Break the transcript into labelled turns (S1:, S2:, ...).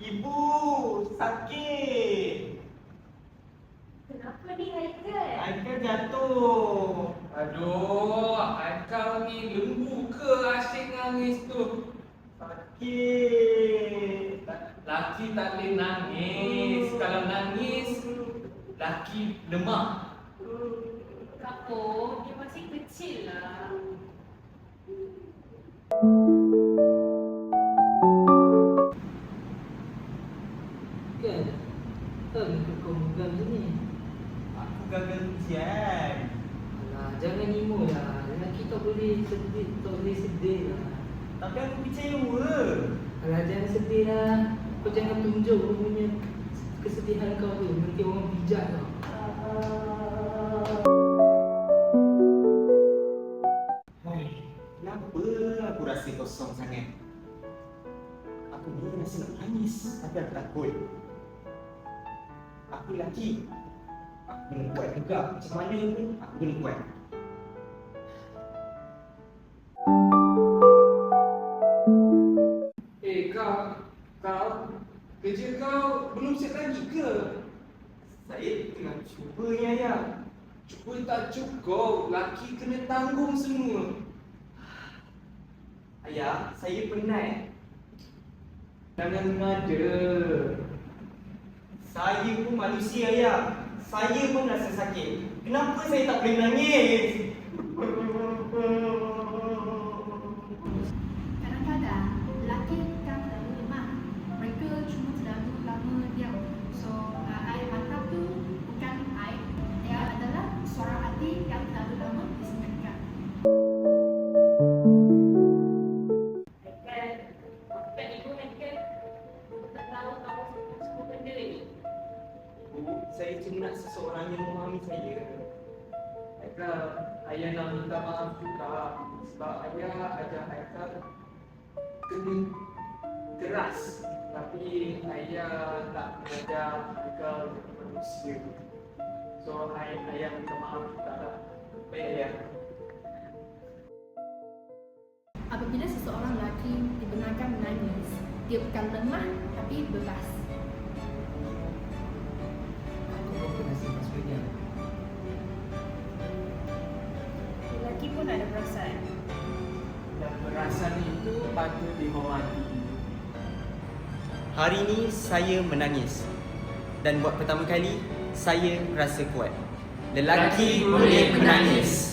S1: Ibu, sakit.
S2: Kenapa ni Haikal?
S1: Haikal jatuh.
S3: Aduh, Haikal ni lembu ke asyik nangis tu?
S1: Sakit.
S3: Laki tak boleh nangis. Kalau nangis, laki lemah.
S2: Kapur, dia masih kecil lah.
S4: Kan? Kenapa kau megang macam ni?
S1: Aku gagal ujian.
S4: Alah, jangan emo lah. Lelaki tak boleh sedih lah.
S1: Tapi aku kecewa.
S4: Alah, jangan sedih lah. Kau jangan tunjuk kau punya kesedihan kau tu. Nanti orang bijak tau.
S1: Hai, kenapa aku rasa kosong sangat? Aku ni rasa nak nangis, tapi aku takut. Aku lelaki. Aku kena buat juga. Macam mana pun aku kena buat.
S3: Kau kerja kau belum siap lagi ke?
S1: Saya tengah cuba ni ayah.
S3: Cuba tak cukup, laki kena tanggung semua.
S1: Ayah, saya penat.
S3: Jangan mengada.
S1: Saya pun manusia ayah. Saya pun rasa sakit. Kenapa saya tak boleh menangis?
S5: Kadang-kadang lelaki kan terlalu lemah. Mereka cuma terlalu lama diam. So, air mata tu bukan air. Dia adalah suara hati yang terlalu lama disenyapkan.
S2: Haikal, bukan ibu Haikal. Tak tahu kamu semua benda ni.
S1: Bu, saya cuma nak seseorang yang memahami saya.
S3: Haikal, ayah nak minta maaf juga sebab ayah ajar Haikal kena keras. Tapi ayah tak mengajar Haikal jadi manusia. So, ayah minta maaf juga lah.
S1: Baik ayah.
S5: Apabila seseorang lelaki dibenarkan menangis, dia bukan lemah tapi bebas.
S4: Aku pun pernah simpan sebagainya.
S2: Lelaki pun ada perasaan.
S3: Dan perasaan itu patut dihormati.
S1: Hari ini saya menangis. Dan buat pertama kali, saya rasa kuat. Lelaki boleh menangis.